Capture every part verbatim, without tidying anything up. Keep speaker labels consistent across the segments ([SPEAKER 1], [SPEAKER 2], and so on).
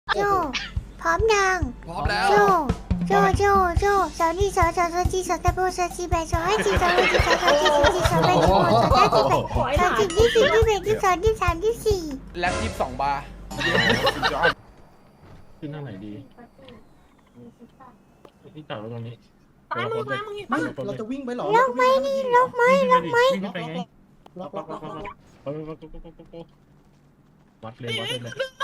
[SPEAKER 1] โจพร้อมยัง
[SPEAKER 2] พร้อมแล้ว
[SPEAKER 1] โจโจโจโจสาวนี่สาวสาวสาวจีสาวตะโบสาวจีแบสาวให้จีสาวให้จีสาวสาวจีสาวจีสาวแบสาวสาวจีแบสาวจีที่สี่ที่แบที่สองที่สามที่สี่
[SPEAKER 2] แล็บยี่สิบสองบาร์
[SPEAKER 3] ขึ้นหน้าไหนดีที่จอดรถตรงนี้
[SPEAKER 4] ตายมึงตายมึงอีก
[SPEAKER 5] ไม่เราจะวิ่งไปหรอ
[SPEAKER 1] ลกไหมนี่ลกไหมลกไหม
[SPEAKER 3] วิ่งไปไง
[SPEAKER 5] ล็อกล็อกล็อกล็อก
[SPEAKER 3] เออวัดเลยวัดเลย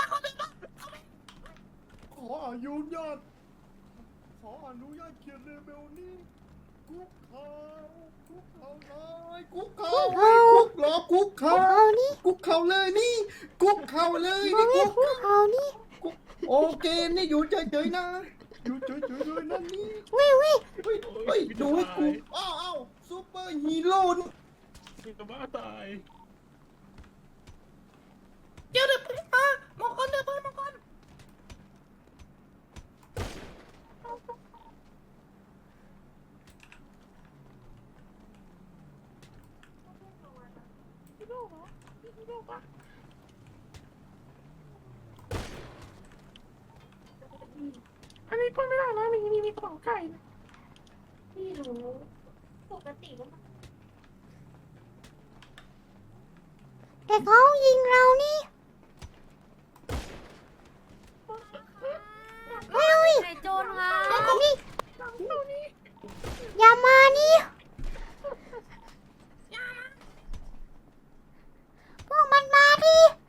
[SPEAKER 5] ขออนุญาตขออนุญาตเขียนเลเวลนี้คุกเขาคุกเขาเลยคุกเขาคุกรอคุกเขา
[SPEAKER 1] เขานี่
[SPEAKER 5] คุกเขาเลยนี่คุกเขาเลย
[SPEAKER 1] มอง
[SPEAKER 5] นี่
[SPEAKER 1] ให้
[SPEAKER 5] คุก
[SPEAKER 1] คู่เขานี่
[SPEAKER 5] โอเคนี่อยู่เฉยๆนะอยู่เฉยๆเลยนะนี่
[SPEAKER 1] เว้ยเว้ย
[SPEAKER 5] เฮ้ยเฮ้ยดูให้กูอ้าวอ้าวซูเปอร์ฮีโร่นี่
[SPEAKER 3] มึงจะบ้าตาย
[SPEAKER 4] เดี๋ยวเดี๋ยวพี่มามองคนเดี๋ยวเพื่อนมองคน
[SPEAKER 3] อันนี้ก็ไม่ได้นะมีมีมีกระเป๋าไก่นะ
[SPEAKER 6] ไม่รู้ปกติก็มัน
[SPEAKER 1] แต่เขายิงเรานี่เฮ้ย
[SPEAKER 6] ไอ้โจรมา
[SPEAKER 1] นี่อย่ามานี่พวกมันมาดิ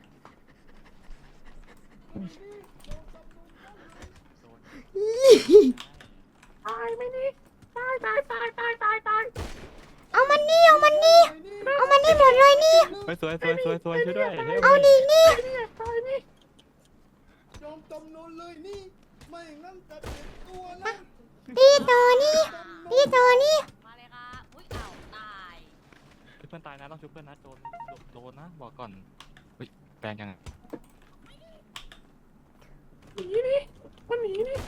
[SPEAKER 3] ตายไหมนี่ตายตายตายตายตายตาย
[SPEAKER 1] เอามันนี่เอามันนี่เอามันนี่หมดเลยนี่
[SPEAKER 7] เฮ้ยสวยสวยสวยสวยช่วยด้วยเฮ้ย
[SPEAKER 1] เอาดินี่
[SPEAKER 3] ตายนี่
[SPEAKER 5] ยอมจำนนเลยนี่ไม่งั้นจะเจ็บตัวนะ
[SPEAKER 1] ตีต่อนี่ตีต่อนี่
[SPEAKER 6] มาเลยครับอุ้ยเอ้าตาย
[SPEAKER 7] เพื่อนตายนะต้องช่วยเพื่อนนะโดนโดนนะบอกก่อนเฮ้ยแปลงยังไง
[SPEAKER 3] หนีนี่มันหนีนี่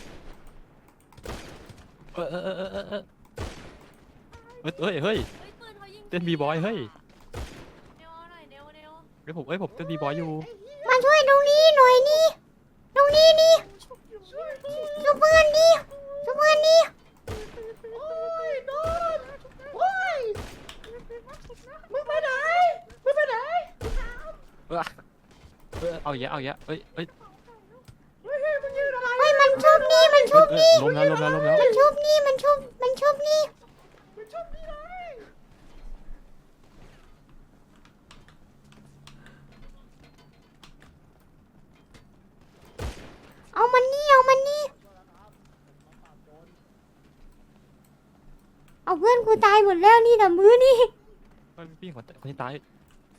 [SPEAKER 7] เออเออเออเออเออเฮ้ยเฮ้ยเฮ้ย
[SPEAKER 6] เฮ้ยปืนเขายิง
[SPEAKER 7] เต้นบีบอยเฮ้ย
[SPEAKER 6] เร็วหน่อยเร็วเร็ว
[SPEAKER 7] เฮ้ยผมเฮ้ยผมเต้นบีบอยอยู่
[SPEAKER 1] มาช่วยตรงนี้หน่อยนี่ตรงนี้นี่ช่วยเพื่อนนี่ช่วยเพื่อนนี่
[SPEAKER 4] มึงไปไหนมึงไปไหน
[SPEAKER 7] เออเออเอาเยอะเอาเยอะเฮ้ยเฮ้ย
[SPEAKER 4] เฮ้ยมึงยืนอะไร
[SPEAKER 1] เฮ้ยมันชุบนี่มันชุบ
[SPEAKER 7] เออ
[SPEAKER 1] นี่
[SPEAKER 7] ล้มแล้วล้มแล้วล้มแล้ว
[SPEAKER 1] มันชุบนี่มันชุบมันชุบนี่
[SPEAKER 4] มึงชอบพี่ไหน
[SPEAKER 1] เอามันนี่เอามันนี่เอาเพื่อนกูตายหมดแล้วนี่แต่มือนี่
[SPEAKER 7] เฮ้ยพี่คนคนที่ตาย
[SPEAKER 5] ฮี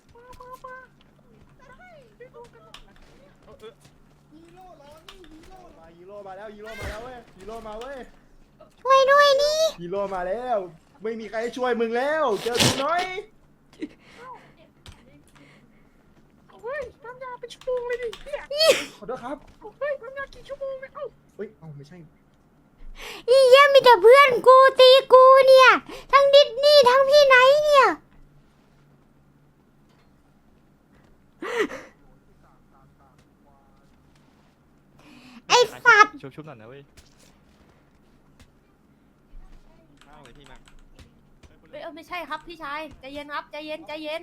[SPEAKER 5] โร่เหรอนี่ฮีโร่มาฮีโร่มาแล้วฮีโร่มาแล้วเว้ยฮีโร่มาเว้ย
[SPEAKER 1] ช่วยด้วยนี่
[SPEAKER 5] ฮีโร่มาแล้ว ไม่มีใครช่วยมึงแล้วเจอกูน้อย
[SPEAKER 3] เฮ้ยน้ำยาเป็นชั่วโมงเลยดิเนี่ย
[SPEAKER 5] ขอโทษครับ
[SPEAKER 3] เฮ้ยน้ำยากี่ชั่วโมงเนี่ยเอ้า
[SPEAKER 5] เฮ้ยเอ้าไม่ใช่
[SPEAKER 1] อีเยี่ยมีแต่เพื่อนกูตีกูเนี่ย ทั้งดิสนี่ทั้งพี่ไหนเนี่ยไอสัตว์
[SPEAKER 7] ชุบชุบหน่อยนะเว้ยข้าวเลยพี่มา
[SPEAKER 6] เฮ้ยเออไม่ใช่ครับพี่ชายใจเย็นครับใจเย็นใจเย็น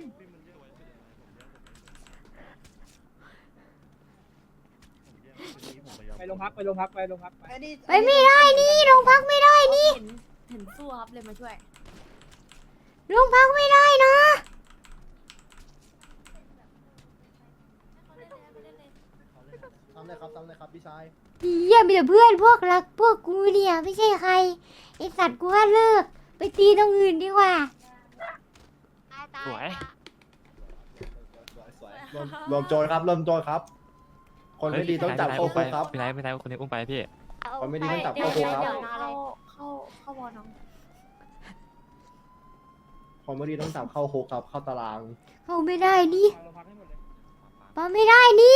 [SPEAKER 8] ไปโรงพักไปโรงพักไปโรงพักไป
[SPEAKER 1] ไปไม่ได้นี่โรงพักไม่ได้นี่
[SPEAKER 6] เห็นเห็นสู้ครับเลยมาช่วย
[SPEAKER 1] โรงพักไม่ได้นะ
[SPEAKER 5] ทำเลยครับทำเลยครับพี่ชาย
[SPEAKER 1] อีเยี่ยมีแต่เพื่อนพวกรักพวกกูเนี่ยไม่ใช่ใครไอสัตว์กูว่าเลิกไปตีตรงอื่นดีกว่า
[SPEAKER 7] สวย
[SPEAKER 5] สวยๆรวมรวมโจรครับรวมโจรครับ คนไม่ดีต้องจับเข้าคุกครับ
[SPEAKER 7] พี่ไหนพี่ไหนคนนี้อุ้มไปพี่
[SPEAKER 5] คนไม่ดีต้องจับ
[SPEAKER 6] เดี๋ยว
[SPEAKER 5] เข้าคุกครับ
[SPEAKER 6] เดี๋ยวเข้าเข้าเข้าวอน้อง
[SPEAKER 5] คนไม่ดีต้องจับเข้าคุกครับ เข้าตาราง
[SPEAKER 1] เขาไม่ได้นี่
[SPEAKER 8] โรงพักให้หมดเลย
[SPEAKER 1] ปาไม่ได้นี่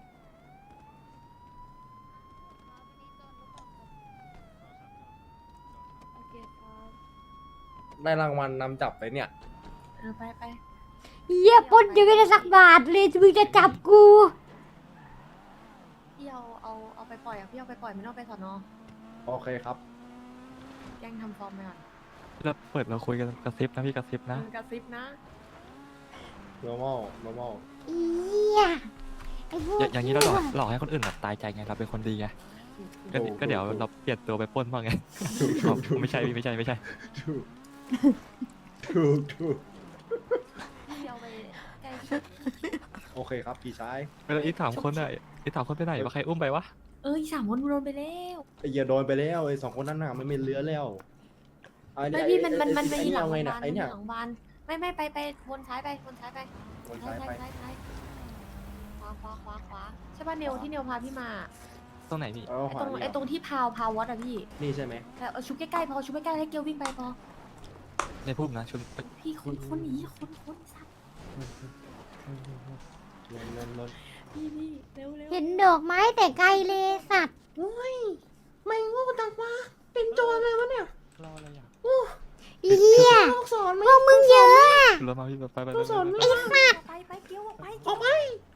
[SPEAKER 6] โอเคครับ
[SPEAKER 5] ได้รางวัลนำจับไปเนี่ย
[SPEAKER 6] เออไปไป
[SPEAKER 1] อีเยี่ยปล้นยังไม่ได้สักบาทเลยมึงจะจับกู
[SPEAKER 6] ยพี่เอาเอาเอาไปปล่อยอ่ะพี่เอาไปปล่อยไม่ต้องไปสอนอ
[SPEAKER 5] โอเคครับ
[SPEAKER 6] แกล้งทำฟอร์มไปก่อน
[SPEAKER 7] เราเปิดเราคุยกันกระซิบนะพี่กระซิบนะ
[SPEAKER 6] มึงกระซิบนะ
[SPEAKER 5] normal normal
[SPEAKER 1] อียไอ้พวก
[SPEAKER 7] อย่าอย่างนี้เราหลอก
[SPEAKER 1] ชั่ว
[SPEAKER 7] หลอกให้คนอื่นแบบตายใจไงเราเป็นคนดีไงก็
[SPEAKER 5] ถูก
[SPEAKER 7] ก็เดี๋ยว
[SPEAKER 5] ถูก
[SPEAKER 7] เราเปลี่ยนตัวไปปล้นบ้างไง
[SPEAKER 5] ถูกถูกถูก
[SPEAKER 7] ไม่ใช่พี่ไม่ใช่ไม่ใช่
[SPEAKER 5] ถูกถูกถูก
[SPEAKER 6] พี่เอาไปใกล้ชิด
[SPEAKER 5] โอเคครับพี่ชาย
[SPEAKER 7] เวลาอีกสามคนอ่ะอีกสามคนไปไหนวะใครอุ้มไปวะ
[SPEAKER 6] เอ้ยสามคนโดนไปแล้ว
[SPEAKER 5] ไอ้เหี้ยโดนไปแล้วไอ้สองคนนั้นน่ะมันไม่เหลือแล้วอ้
[SPEAKER 6] ไม่
[SPEAKER 5] อ้
[SPEAKER 6] พี่มันมัน
[SPEAKER 5] อ้
[SPEAKER 6] มันไป
[SPEAKER 5] ไอ้
[SPEAKER 6] หลัง
[SPEAKER 5] เอา
[SPEAKER 6] โร
[SPEAKER 5] ไง
[SPEAKER 6] งพยา
[SPEAKER 5] เนี่ย
[SPEAKER 6] บาล
[SPEAKER 5] ไอ้เนี่ย
[SPEAKER 6] หลังบ้านไม่ไม่ไปไปวนซ้ายไปวนซ้ายไป
[SPEAKER 5] วน
[SPEAKER 6] ซ้า
[SPEAKER 5] ซ้าย ย
[SPEAKER 6] ซ้าย
[SPEAKER 5] ไป
[SPEAKER 6] ซ้ายซ้ายขวาขวาขวาขวาใช่ป่ะเนวที่เนวพาพี่มา
[SPEAKER 7] ตรงไหนพี่
[SPEAKER 5] เอา
[SPEAKER 6] ไอ้
[SPEAKER 5] ขวา
[SPEAKER 6] ตรง
[SPEAKER 5] นี่
[SPEAKER 6] ไอ้ตรงที่พาวพาววัดอะพี่
[SPEAKER 5] นี่ใช่ไหม
[SPEAKER 6] แต่เอาชุบใกล้ๆพอชุบใกล้ๆให้เกลวิ่งไปพอ
[SPEAKER 7] ในพุ่มนะชุน
[SPEAKER 6] พี่คนคนหนีคนคนสัตว์
[SPEAKER 5] ลนลนลน
[SPEAKER 6] พี่พี่เร็วเร็ว
[SPEAKER 1] เห็นดอกไม้แต่ไกลเลยสัตว์
[SPEAKER 4] โอ้ยไม่โง่จังวะเป็นโจรเลยวะเนี่ย
[SPEAKER 7] รออะไรอ่ะ
[SPEAKER 1] อีเหี้ย
[SPEAKER 4] ลูกศร
[SPEAKER 1] พวกมึงเยอะอะ
[SPEAKER 7] รถมาพี่ไปไปไป
[SPEAKER 4] ลูกศร
[SPEAKER 7] ไป
[SPEAKER 4] ไม่ได้
[SPEAKER 6] ไปไปเกลออกไป
[SPEAKER 4] ออกไป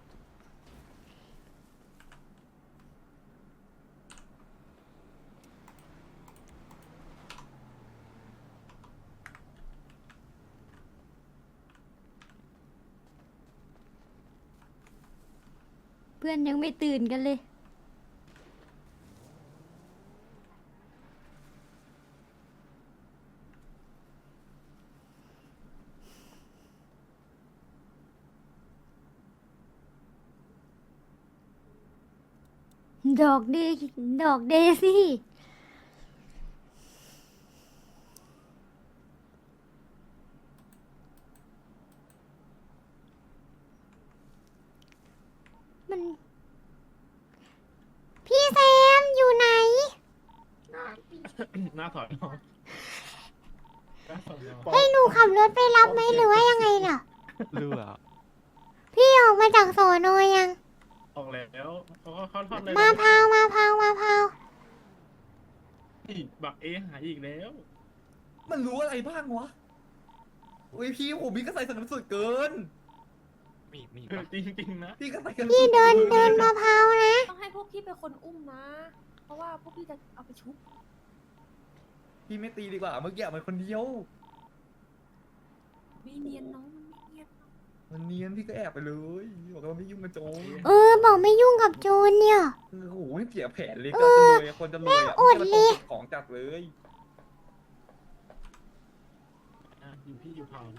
[SPEAKER 1] เพื่อนยังไม่ตื่นกันเลย ดอกเดดอกเดซี่มัน พี่แซมอยู่ไหน
[SPEAKER 3] หน้าถอยน้องหน้าถอยน้อง
[SPEAKER 1] ให้หนูขับรถไปรับไหมหรือว่ายังไงเน่ะ
[SPEAKER 7] เรือ
[SPEAKER 1] พี่ออกมาจากสอนอยัง
[SPEAKER 3] ออกแล้วเขาก็เข้าทอดเลย
[SPEAKER 1] มาพาวมาพาวมาพาว
[SPEAKER 3] นี่บักเอหายอีกแล้ว
[SPEAKER 2] มันรู้อะไรบ้างวะอุ้ยพี่ผมพี่ก็ใส่สนับสุดเกิน
[SPEAKER 7] มีมี
[SPEAKER 3] เออ
[SPEAKER 7] ปะ
[SPEAKER 3] จริงๆนะ
[SPEAKER 2] พี่ก็ใส่กัน
[SPEAKER 1] พี่เดินเดินมาพาวนะ
[SPEAKER 6] ต้องให้พวกพี่เป็นคนอุ้มนะ เพราะว่าพวกพี่จะเอาไปชุบ
[SPEAKER 2] พี่ไม่ตีดีกว่าเมื่อกี้มันคนเดียว
[SPEAKER 6] ไม่เนียนน้องมันไม่เนียน
[SPEAKER 2] มันเนียนพี่ก็แอบไปเลยบอกว่าไม่ยุ่งกับโจร
[SPEAKER 1] เออ บอกไม่ยุ่งกับโจรเนี่ย
[SPEAKER 2] โอ้โหเสียแผนเลยก็จะรวยคนจะรวยอ่ะ
[SPEAKER 1] อดเลย
[SPEAKER 2] ของจัดเลย
[SPEAKER 3] อ่ะอยู่พี่อยู่เผานะ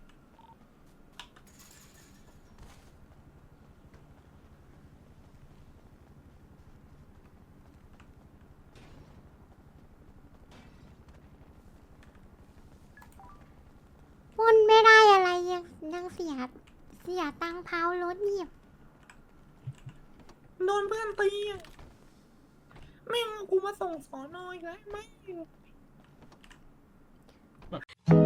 [SPEAKER 1] ปล้นไม่ได้อะไรยังยังเสียเสียตังค์เผารถเนี่ย
[SPEAKER 4] โดนเพื่อนตีอะแม่งเอากูมาส่งสอนอยแล้วไม่